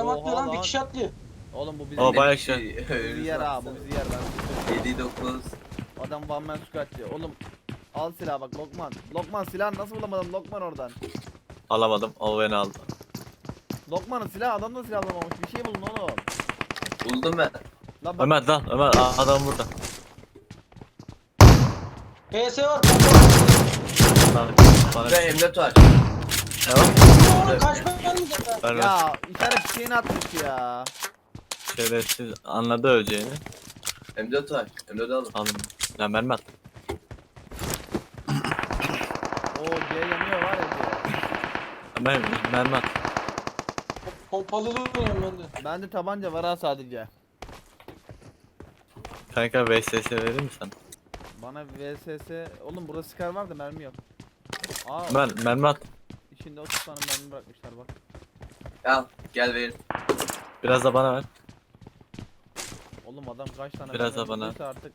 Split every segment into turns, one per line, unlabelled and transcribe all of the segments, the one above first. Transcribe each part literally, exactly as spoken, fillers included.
atlıyor lan, bir
lan.
kişi atlıyor.
Oğlum bu bizim
O
bu
bayağı
Bir şey.
bizi yer ha, bu bizi yer ben.
yedi dokuz.
Adam one man squat diyor. Oğlum al silah bak Lokman. Lokman silah nasıl bulamadın Lokman oradan?
Alamadım. O beni aldı.
Lokman'ın silahı adam da silah bulamamış. Bir şey bulun oğlum.
Buldum ben.
Lan bak.
Ömer lan Ömer a- adam burada.
P S var.
Lan, bana
Ve M dört var.
ne var?
Oğlum kaçma gelmeyecek lan.
Ver ver.
Ya işaret şeyini atmış ya.
Şerefsiz anladı öleceğini.
M dört var. M dört aldım.
Alın. Lan mermi at.
O C yanıyor var ya C.
Ömer mermi at.
Pompalı oynuyorum ben de.
Bende tabanca var ha sadece.
Kanka V S S verir misin?
Bana V S S... Oğlum burada Scar var da mermi yok. Aa
Ömer mermi at.
içinde otuz tane mermi bırakmışlar bak.
Al. Gel verin.
Biraz da bana ver.
Oğlum adam kaç tane
Biraz
mermi
da bana.
bulduysa artık.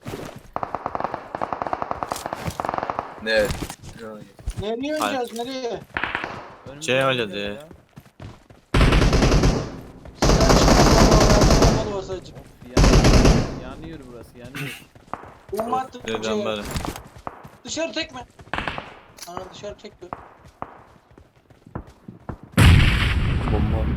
Ne?
Nereye oynayacağız, nereye?
Önümüzde
C
oynuyor
oynadı ya.
ya.
Pompalı var sadece.
Of yanıyor. Yanıyor burası yanıyor.
Bomba attım
Neden
şeye.
böyle?
Dışarı tekme. Aa dışarı tekme.
Bomba.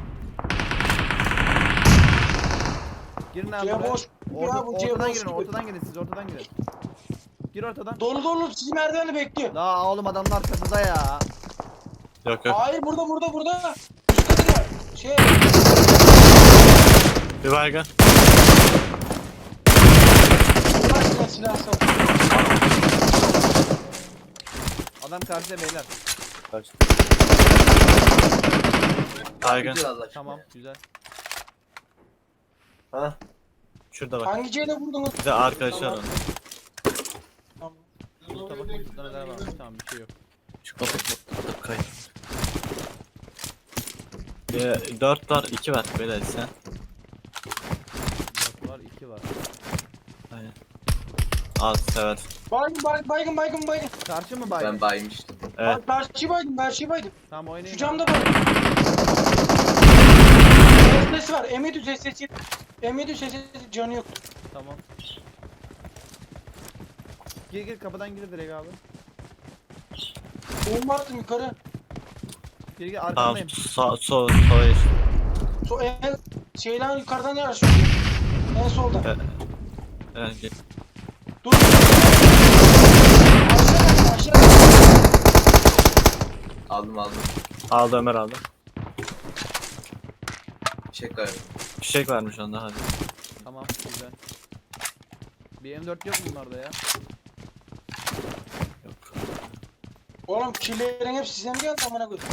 Girin abi
C
buraya.
boş.
Orta,
Ya bu C
ortadan
boş
girin
gibi.
ortadan girin siz ortadan girin. Gir ortadan.
Dolu dolu sizi merdiveni bekliyor.
La oğlum adamlar kapıda ya.
Yok yok.
Hayır burada burada burada. Üst katı var. Şey.
Bir baygın.
Bırak silah silah sal.
Adam karşıda beyler.
Baygın.
Bitir Allah aşkına.
Tamam güzel.
Ha?
Şurada bak.
Hangi C'yle vurdunuz?
Bir de arkadaşlar onu.
Tamam.
Usta bakın şurada neler varmış tamam bir şey yok.
Şu kapı kapatıp kay. Ee, dört var, iki var böyle sen.
dört var iki var.
Aynen. Az sever.
Baygın baygın baygın baygın baygın.
Karşı mı baygın?
Ben baymıştım.
Evet.
Bak karşı baygın karşı baygın.
Tamam oynayın.
Şu camda baygın. Sesi var. M yedi sesi. M yedi sesi canı yok.
Tamam. Gir gir kapıdan gir direkt abi.
Bomba attım yukarı.
Gir gir
Tamam,
arkandayım.
sağ, sol, sola geç.
So en şeyden yukarıdan yer açıyor. En solda.
Evet. Evet, git.
Dur. Aşağı aşağı.
Aldım aldım.
Aldı Ömer aldı.
Çek var.
Fişek vermiş onda hadi.
Tamam güzel. Bir M dört yok mu bunlarda ya?
Yok.
Oğlum killerin hepsi size mi geldi amına koyayım?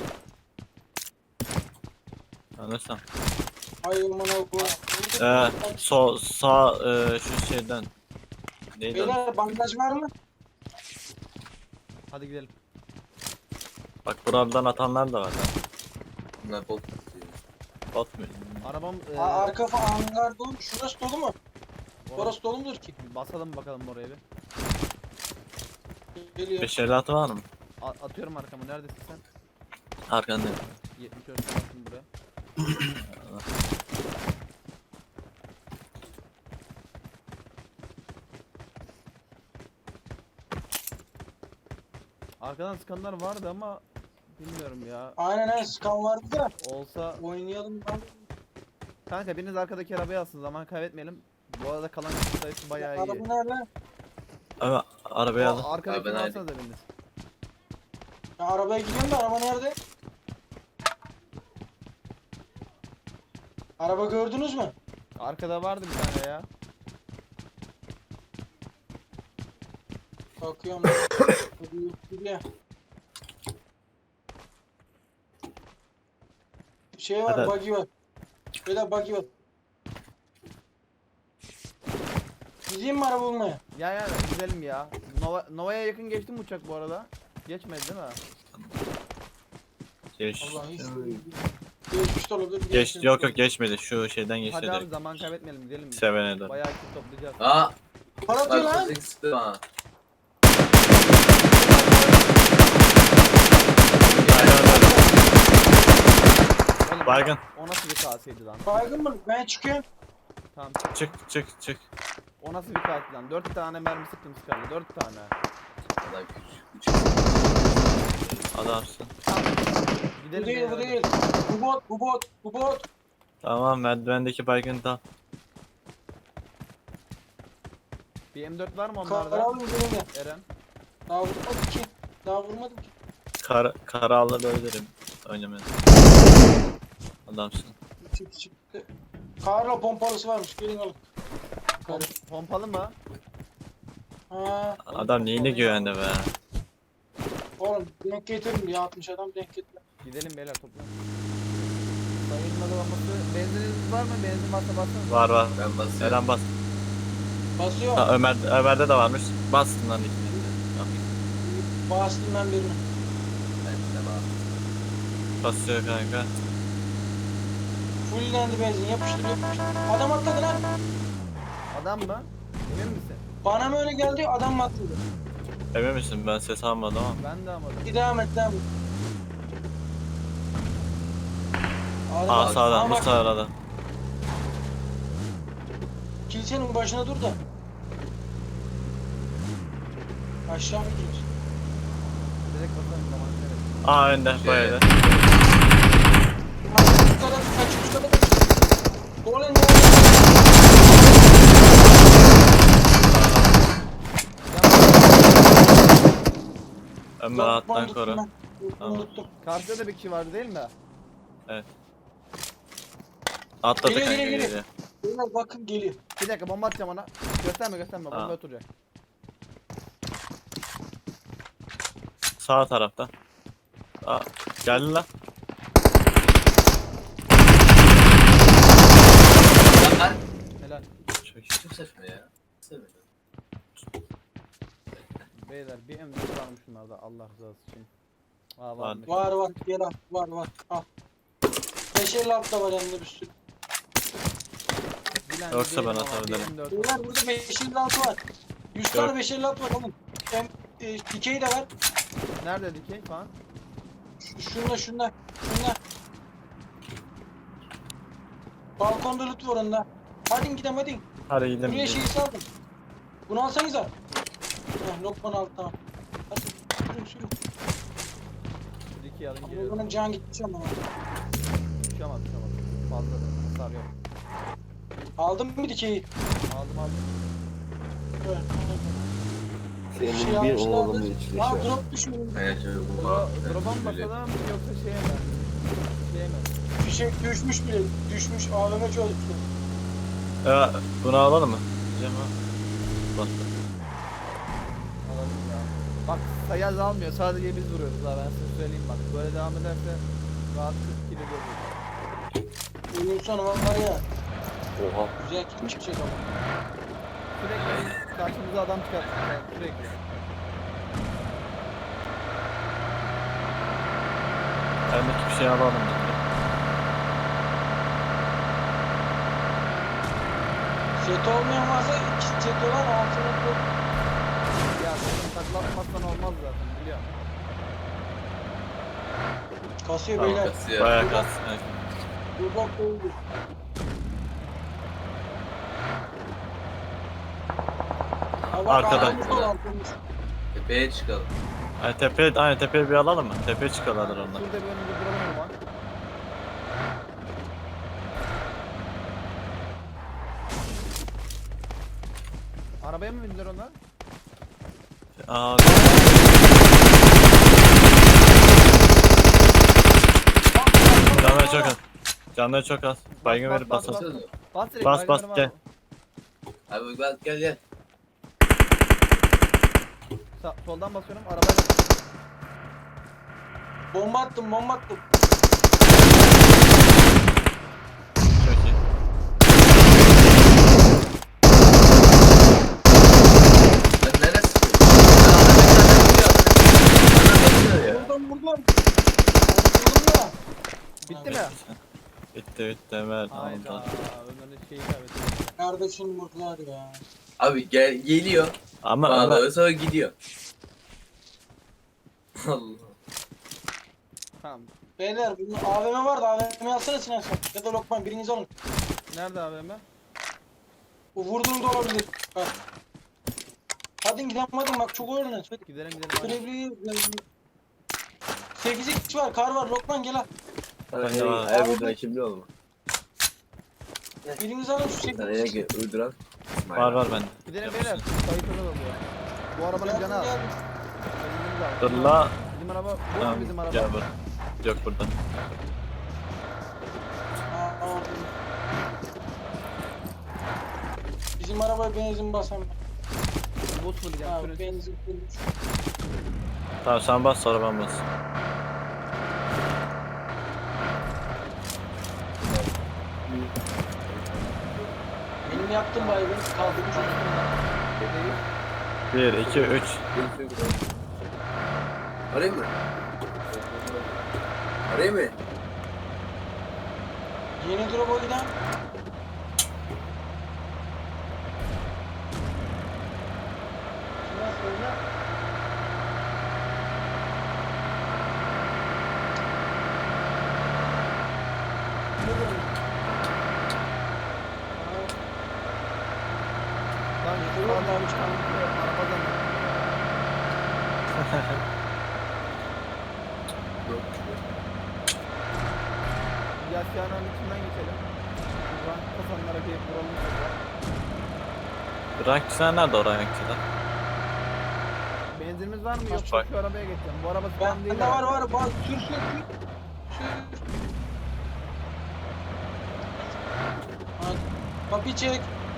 Anlarsam.
Ay amına koyayım.
Ee, sol, sağ, e, şu şeyden. Neydi o?
Beyler bandaj var mı?
Hadi gidelim.
Bak buradan atanlar da var. Ha.
Bunlar bot.
Bot mu?
Arabam e,
Aa, arka falan hangar dolu. Şurası dolu mu?
orası-
Orası dolu mudur ki?
basalım bakalım oraya bir.
Geliyor.
beş elli altı var mı?
A- atıyorum arkamı neredesin sen?
Arkanda.
yetmiş dört attım buraya. Arkadan sıkanlar vardı ama bilmiyorum ya.
Aynen aynen skan vardı da
Olsa
oynayalım lan.
kanka biriniz arkadaki arabayı alsın zaman kaybetmeyelim. Bu arada kalan kişi sayısı bayağı iyi.
Araba nerede?
Ama arabayı alın.
O arkadakini
Abi ben
alsanız da biriniz.
Ya arabaya gidiyorum da araba nerede? Araba gördünüz mü?
Arkada vardı bir tane ya.
Bakıyorum. Gidiyor. Şey var,
Hadi.
buggy var. Böyle buggy var. Gideyim mi araba bulmaya?
Ya ya gidelim ya. Nova, Nova'ya yakın geçti mi uçak bu arada? Geçmedi değil mi?
Geç.
Allah hiç. Geçmiş de olabilir.
Geç,
geçmemiş
yok
de
yok geçmedi. Şu şeyden geçti
Hadi abi
direkt.
zaman kaybetmeyelim gidelim.
Sevene doğru.
Bayağı kit toplayacağız.
Aa!
olabilir. Para atıyor lan.
Bak sıktı bana.
Oğlum,
Baygın.
O nasıl bir kaseydi lan?
Baygın mı? Ben çıkıyorum.
Tamam.
Çık çık çık.
O nasıl bir kaseydi lan? Dört tane mermi sıktım sıkardı. Dört tane.
Adam küçük. Küçük.
Adamsın.
Bu
Gidelim.
değil bu
beyler.
değil. Bu bot bu bot bu bot.
Tamam merdivendeki baygın da.
Bir M dört var mı onlarda?
Karalım benimle.
Eren.
Daha vurmadım ki. Daha vurmadım ki.
Kar kara alabilirim. Oynamayın. Adamsın.
Çık çıktı. Karla pompalısı varmış. Gelin alın. Karı.
Pom- Pompalı mı?
Ha,
Adam neyine güvende be.
oğlum denk getirin diye atmış adam denk getir.
Gidelim beyler toplayalım. Sayılma dolabası. Benzininiz var mı? Benzin varsa bassanız.
Var var.
Ben basıyorum.
Eren bas.
Basıyor.
Ha, Ömer Ömer'de de varmış. Bastın lan ikini.
Bastım ben birini.
Ben de var.
Basıyor kanka.
Fulllendi benzin yapıştır yapıştır. Adam atladı lan.
Adam mı? Emin misin?
Bana mı öyle geldi adam mı atladı?
Emin misin? Ben ses almadım ama.
Ben de almadım.
Bir devam et devam et. Adam
Aa
atladı.
sağdan
Ama
bu
bak,
sağdan.
kilisenin başına dur da. Aşağı mı gidiyoruz?
Direkt basalım zaman. Evet.
Aa önde bu
Şey.
evde.
Kaç kadar kaç kadar kaç. Dolan ya.
Ömer alttan
Unuttum
koru.
ben.
Tamam.
Unuttum.
Karşıda da bir kişi vardı değil mi?
Atladı
Geliyor,
kanka
geliyor,
geliyor.
Beyler bakın geliyor.
Bir dakika bomba atacağım ona. Gösterme gösterme bomba
Ha.
oturacak.
Sağ tarafta. Aa geldi lan.
Lan
Helal.
Çok iyi.
çok saçma ya. Nasıl böyle?
Beyler bir M dört varmış şunlarda Allah rızası için. Aa varmış.
Var var gel al var var al. beş elli altı da var hem de bir sürü.
Bilen
Yoksa
değilim
ben
ama
atabilirim.
bir M dört
Beyler burada beş elli altı var. yüz
Yok.
tane beş elli altı var oğlum. Hem e, dikey de var.
Nerede dikey falan?
Ş- Şunda şunda şunda. Balkonda loot var onda. Hadi gidelim hadi.
Hadi gidelim.
Buraya şeyi saldım. Bunu alsanıza. Heh, Lokman aldı tamam. Hadi sürün sürün.
Dikey alın
Ama
geliyorum.
bunun can gideceğim ama.
Uçamaz uçamaz. Fazla da hasar yok.
Aldın mı dikeyi?
Aldım aldım.
Evet.
Senin
Şey
bir
almışlardı.
oğlunun içinde
Aa
şu an.
drop düşmüş.
Aynen şöyle bu.
Dro Drop'a mı basalım yoksa şeye mi? Şeye mi?
Fişek düşmüş bile. Düşmüş. A V M çalıştı.
Ee, bunu alalım mı? Diyeceğim ha. Bastı.
Alalım ya. Bak sayı azalmıyor. Sadece biz vuruyoruz ha ben size söyleyeyim bak. Böyle devam ederse rahat kırk kilo görürüz.
Oyun sonu var ya.
Oha.
Güzel kim çıkacak ama.
Sürekli karşımıza adam çıkarttık yani sürekli.
Bendeki bir şey alalım dedi.
Set olmayan varsa iki set olan altına koy.
Ya senin taklatmazsan olmaz zaten biliyorum.
Kasıyor
Tamam,
beyler.
Kasıyor.
Bayağı kas. Evet.
Dur bak oldu. Ha bak,
Arkadan.
arkamız var, arkamız.
Tepeye çıkalım.
Ay tepeye, aynen tepeye bir alalım mı? Tepeye çıkarlar onlar.
Şurada bir önümüzde duralım o zaman. Arabaya mı bindiler onlar?
Aa, canları çok az. Canları çok az. Baygın
Bas,
verip
bas,
basalım.
Baksana.
Bas direkt.
Bas, bas,
baygınları
gel.
var.
Abi gel gel gel.
Sa- soldan basıyorum arabayla.
Bomba attım bomba attım.
Çok iyi.
Lan neresi? Adam bekliyor ya.
Buradan buradan. Vurdum ya.
Bitti mi?
Bitti bitti Ömer.
Hayda.
Tamam.
Ömer'in şeyi kaybettim.
Kardeşim vurdular ya.
Abi gel geliyor.
Ama Ömer,
Bağlıyor sonra gidiyor. Allah.
Tamam.
Beyler bunun A V M vardı. A V M'yi alsana Sinan sen. Ya da Lokman biriniz alın.
Nerede abi hemen?
Bu vurduğum da olabilir. Bak. Hadi gidelim hadi bak çok öğrenin.
Gidelim gidelim. Hadi.
Sürekli sekiz x var, kar var. Lokman gel al.
Ben de var.
Her bir rakibli olma.
Biriniz alın şu
Sana
sekiz x.
yine uyduran.
Var var bende.
Gidelim beyler. Kayıtlı oluyor. Bu arabanın canı az.
Dur la.
Bizim araba bu mu
Tamam,
bizim araba?
gel bur. Yok burada.
Bizim arabaya benzin basan.
Bot mu diyeceğim?
Ha,
Sürün.
benzin bulmuş.
Tamam sen bas sonra ben bas.
Benim yaptığım baygın kaldırmış üstümden.
bir, iki, üç.
Arayayım mı? Arayayım mı?
Yeni drop'a giden. Şuna söyle. Ne diyorsun?
Lan şu
Yok,
arabadan
ben çıkamam.
arabadan. Yasya'nın içinden geçelim. Buradan kafanlara gelip vuralım şurada.
Rankçılar nerede o rankçılar?
Benzinimiz var mı?
Bak.
Yoksa şu arabaya geçeceğim. Bu araba
Ben
spam değil.
de var
herhalde.
var var. Sür sür sür. Sür. Hadi. Kapıyı çek.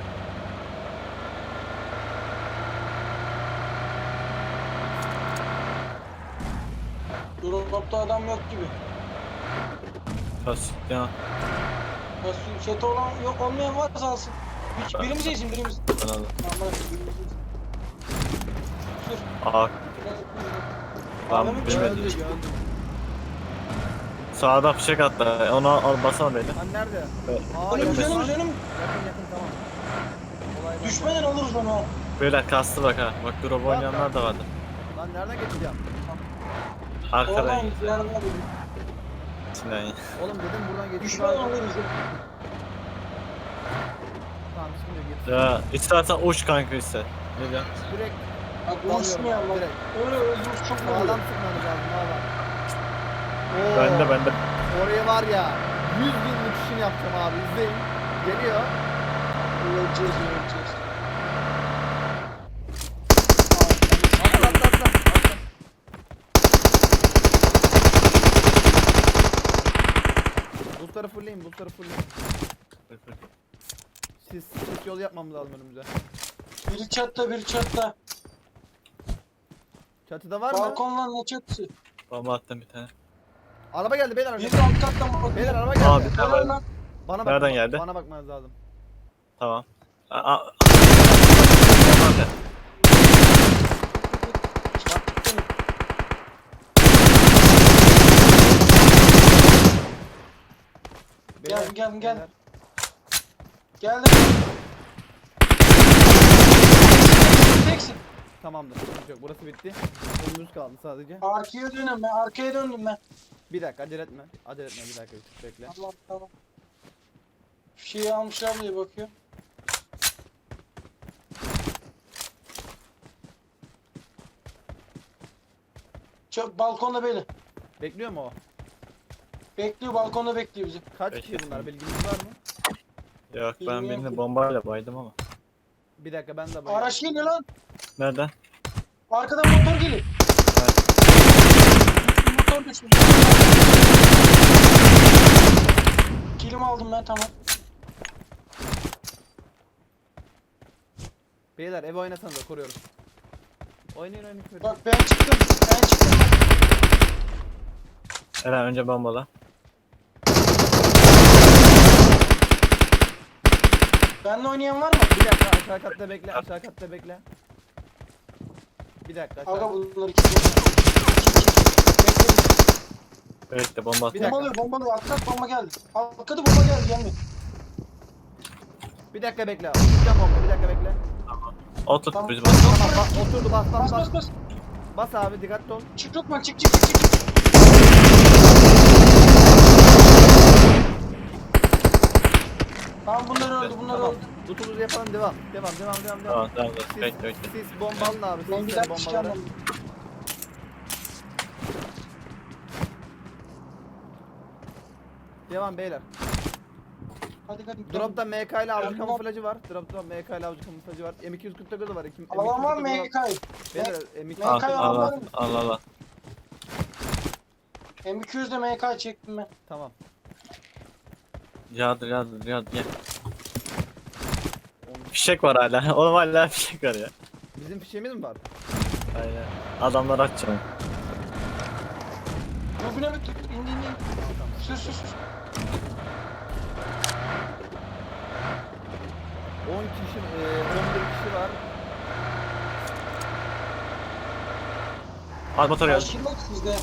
Drop'ta adam yok gibi.
Kas ya.
Ya su- Seti olan yok olmayan varsa alsın. Bir, birimiz yesin birimiz.
Ben aldım.
Tamam bırak birimiz yesin. Sür.
Aa
Tamam,
Tamam,
bilmedim.
Gördüm gördüm.
sağda fişek attı. Onu al basana beni.
Lan nerede?
Evet.
Aa
Önümüz
yakın
önümüz
lan.
önümüz.
Yakın yakın tamam. Olay bende.
Düşmeden alırız onu. ha.
Böyle kastı bak ha. Bak drop oynayanlar da vardı.
Lan nereden geçeceğim?
Arkadan
Oradan
git.
yanına dedim.
İçinden git.
Oğlum dedim buradan geçeyim.
Düşmeden alırız.
Tamam şimdi git.
Ya istersen uç kanka iste. Ne diyorsun?
Direkt
Bak
dalıyorum
uçmayalım bak.
direkt.
Öyle öldürüz çok
Sağdan
oluyor.
sıkmamız lazım valla. Oo,
Bende bende.
Oraya var ya yüz bin uçuşunu yapacağım abi izleyin. Geliyor.
Öleceğiz öleceğiz.
Atla atla atla. atla. Boostları fullleyin boostları fullleyin. Siz, siz yol yapmamız lazım önümüze.
Biri çatta biri çatta.
Çatıda var mı?
Balkonla ne çatısı?
Bomba attım bir tane.
Araba geldi beyler.
Bir de alt kattan bak.
Beyler araba geldi.
Abi tamam.
Helal lan.
Bana bak.
Nereden geldi?
Bana bakmanız lazım.
Tamam. Aa, aa.
Beyler,
Gel, gel, gel.
beyler.
Geldim. Teksin.
Tamamdır. Sıkıntı yok. Burası bitti. Önümüz kaldı sadece.
Arkaya dönüyorum ben. Arkaya döndüm ben.
Bir dakika acele etme. Acele etme bir dakika bir bekle.
Tamam tamam. Şeyi almışlar diye bakıyor. Çok balkonda böyle.
Bekliyor mu o?
Bekliyor balkonda bekliyor bizi.
Kaç
Peki.
kişi bunlar bilginiz var mı?
Yok ben
Bilmiyorum
birini
ki.
bombayla baydım ama.
Bir dakika ben de bayım.
Araç geliyor lan.
Nereden?
Arkadan motor geliyor. Motor düşmüş. Kilim aldım ben tamam.
Beyler ev oynasanıza koruyoruz. Oynayın oynayın. koruyoruz.
Bak ben çıktım. Ben çıktım.
Eren önce bombala.
Benle oynayan var mı?
Bir dakika aşağı katta bekle aşağı katta bekle. Bir dakika aşağı.
Aga bunlar iki. iki, iki. Bekle.
Bekle bomba
Bir
attım.
dakika.
Bombalıyor bombalıyor. Arka bomba geldi. Arkada bomba geldi gelmiyor.
Bir dakika bekle. Oturacağım bomba bir dakika bekle.
Otur
Tamam.
biz bas.
Tamam bas oturdu bas bas
Bas
bas.
bas bas.
Bas abi dikkatli ol.
Çık Lokman çık çık çık çık. öldü bunlar
Tamam.
öldü.
Lootumuzu yapalım devam. Devam devam devam devam.
Tamam tamam.
Siz,
Bekle bekle.
siz bomba alın abi.
Ben
Siz
bir
sen
dakika
bombaları.
çıkamam.
Devam beyler.
Hadi hadi.
Drop'ta M K ile avcı
Ben-
kamuflajı var. Drop'ta M K ile avcı kamuflajı var. M iki yüz kırk dokuz var. M
Alan var mı M K'yı?
Beyler M iki yüz
Al
M K
al
var
al
mı?
al al. al.
M iki yüzde M K çektim ben.
Tamam.
Yağdır yağdır yağdır gel. Fişek var hala. Oğlum hala fişek var ya.
Bizim fişeğimiz mi var?
Aynen. Adamlar atacağım.
Dur bine bit. İn in in. Sür sür sür.
on kişi, e, on bir kişi var.
Al motor geldi.
Karşılık sizde.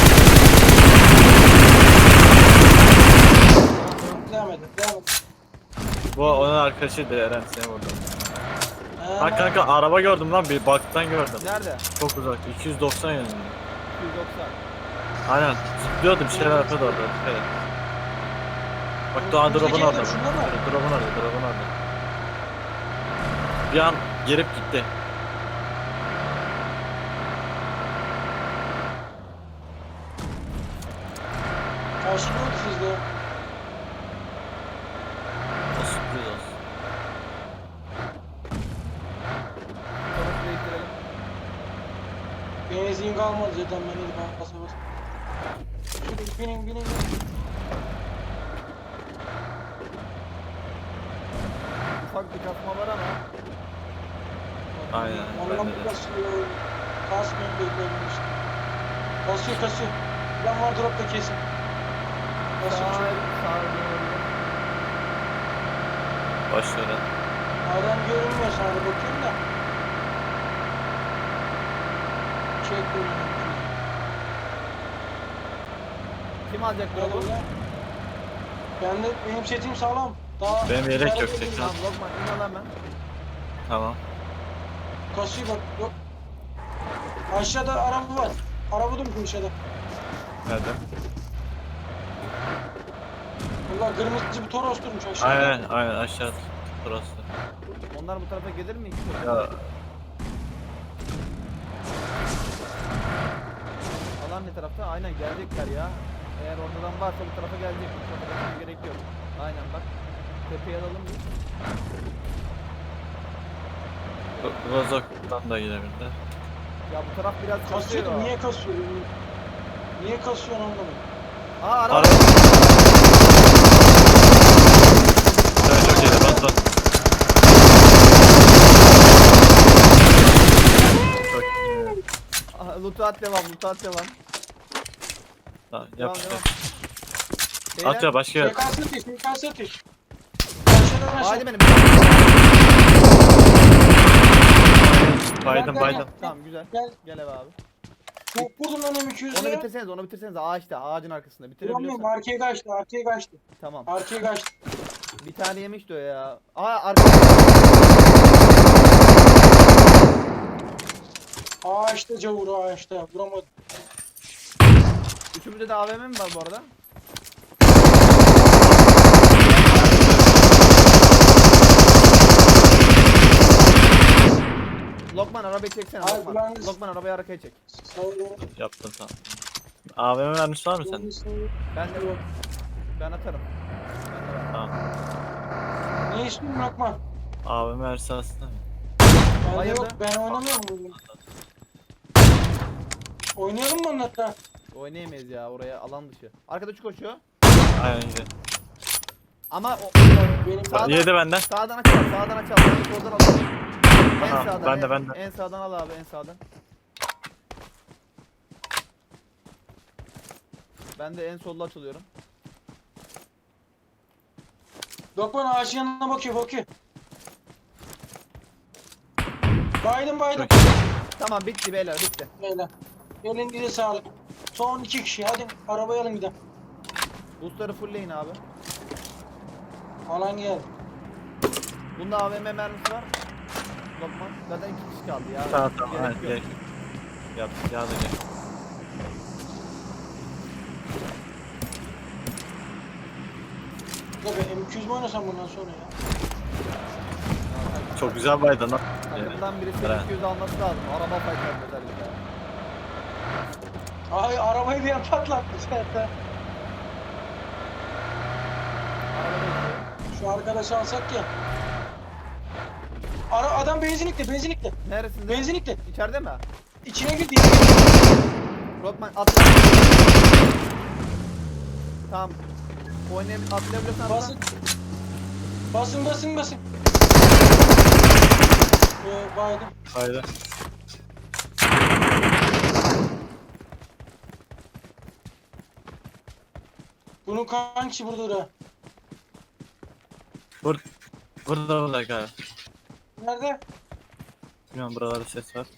Devam edin. Devam edin.
Bu onun arkadaşıydı Eren seni vurdu.
Ha,
Bak kanka araba gördüm lan bir baktan gördüm.
Nerede?
Çok uzak iki yüz doksan yönünde.
iki yüz doksan.
Aynen. Zıplıyordu bir şeyler yapıyordu orada. Dikkat et. Bak daha
Önümüzdeki
drop'un
evde
orada.
şunda mı?
Drop'un orada, drop'un orada. Bir an gelip gitti.
Karşılık sizde.
O sürpriz olsun.
Sonra değiştirelim.
Benzin kalmadı zaten ben dedim basa basa. Şurada binin binin binin.
Ufak bir kasma var ama.
Aynen.
Ondan
Bende
bir
de.
kasıyor. Kasmıyor bekliyorum işte. Kasıyor kasıyor. Ben var dropta kesin.
Sağ,
Kasıyor çok.
sağ doğru.
Başlıyorum.
Adam görünmüyor sana da bakıyorum da. Çek bunu.
Kim alacak
Hadi
drop'u?
ulan. Ben de benim setim sağlam. Daha
Benim yelek yok,
Daha-
tek
Tamam Lokman in al hemen.
Tamam.
Kasıyor bak. Yok. Aşağıda araba var. Araba durmuş aşağıda.
Nerede?
Valla kırmızı bir Toros durmuş aşağıda.
Aynen aynen aşağıda. Burası.
Onlar bu tarafa gelir mi? İki
Ya
Alan ne tarafta? Aynen gelecekler ya. Eğer oradan varsa bu tarafa gelecek. Bu tarafa geçmeye gerek yok. Aynen bak. Tepeye alalım biz.
Bu- Rozok'tan da gidebilirler.
Ya bu taraf biraz
Kasıyor
kasıyor.
da niye kasıyor? Niye kasıyor anlamadım.
Aa araba.
Araba. Sen çok iyiydi bas bas. Çok iyi.
Aha, loot'u at devam, loot'u at devam.
Tamam
Devam
yap işte.
devam.
At ya başka yer.
Şey kalsın ateş, şey kalsın ateş. Aşağıdan aşağı.
Hadi benim.
Baydım baydım.
Tamam güzel.
Gel.
Gel eve abi.
Çok vurdum lan M iki
Onu
yüz'e.
bitirseniz, onu bitirseniz ağaçta, ağacın arkasında.
Vuramıyorum,
Bitirebiliyorsan.
arkaya kaçtı, arkaya kaçtı.
Tamam.
Arkaya kaçtı.
Bir tane yemişti o ya. Aa arka.
Ağaçta cavur, ağaçta. Vuramadım.
Üçümüzde de A V M mi var bu arada? Lokman arabayı çeksene
Abi,
Lokman.
ben-
Lokman arabayı arkaya çek.
Sağ olun.
Yaptın tamam. A V M vermiş var mı sen?
Ben de yok. Ben atarım. Ben de var.
Tamam.
Ne istiyorsun Lokman?
A V M verse aslında.
Bende
Hayırdır?
yok, ben oynamıyorum bunu. Oynayalım mı onu hatta?
Oynayamayız ya oraya alan dışı. Arkadaşı koşuyor.
Aynen güzel.
Ama o,
Benim
Sağdan-
Yedi benden.
sağdan açalım, sağdan açalım. Soldan alalım. En
Aha,
sağdan.
ben de,
en,
ben de.
En sağdan al abi, en sağdan. Ben de en solda açılıyorum.
Lokman ağacın yanına bakıyor, bakıyor. Baydım baydım.
Çok
Tamam bitti beyler, bitti.
Beyler. Elinize sağlık. Son iki kişi, hadi arabaya alın gidelim.
Boostları fullleyin abi.
Alan geldi.
Bunda A V M mermisi var. Lokman. Zaten iki kişi kaldı ya.
Tamam tamam.
Gerek
Aynen
yok.
gerek. Yap. Ya da gel.
Tabii M iki yüz mü oynasam bundan sonra ya?
Çok güzel baydın lan.
Takımdan birisi
Evet.
iki yüz alması lazım. Araba fightlar özellikle.
Ay arabayı bir yer patlatmış zaten.
Araba bekliyor.
Şu arkadaşı alsak ya. Ara adam benzinlikte, benzinlikte.
Neresinde?
Benzinlikte.
İçeride mi?
İçine girdi.
Rockman atla. Tamam. Oynayabilir, atlayabilirsen atla.
Basın. Basın basın basın. Ee, baydım.
Haydi.
Bunun kankisi burada da.
Bur burada burada galiba.
Nerede?
Bilmiyorum buralarda ses var.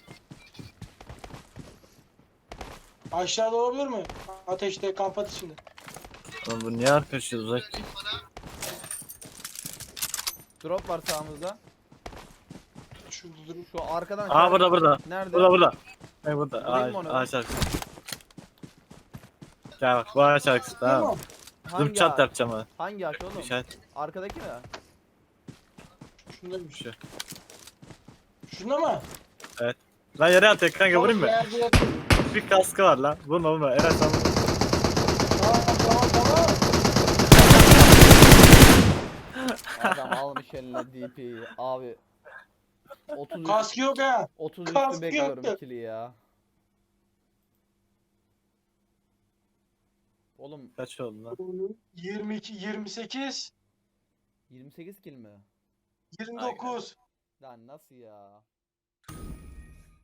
Aşağıda olabilir mi? Ateşte kamp ateşinde.
Oğlum bu niye arkadaşı uzak ki?
Drop var sağımızda.
Şurada durun.
Şu arkadan.
Aa burada burada.
Nerede?
Burada burada. Ne burada?
Vurayım mı
Aa,
onu?
aa şarkısı. Gel bak bu ağaç şarkısı tamam.
Tamam.
Hangi
Zıp çat
ağaç?
yapacağım ha.
Hangi ağaç oğlum?
İşaret
Arkadaki mi?
Şundaymış.
şu.
Şunda mı?
Lan yere at kanka vurayım mı?
Yerde yatıyor.
Bir kaskı var lan. Vurma vurma. Eren sen vur.
Tamam tamam tamam.
Adam almış eline D P'yi. Abi. otuz
Kaskı yok ha.
otuz üstü
kaskı
bekliyorum
yoktu.
ikili ya. Oğlum
Kaç oldu lan?
yirmi iki, yirmi sekiz,
yirmi sekiz kill mi?
yirmi dokuz.
Lan nasıl ya?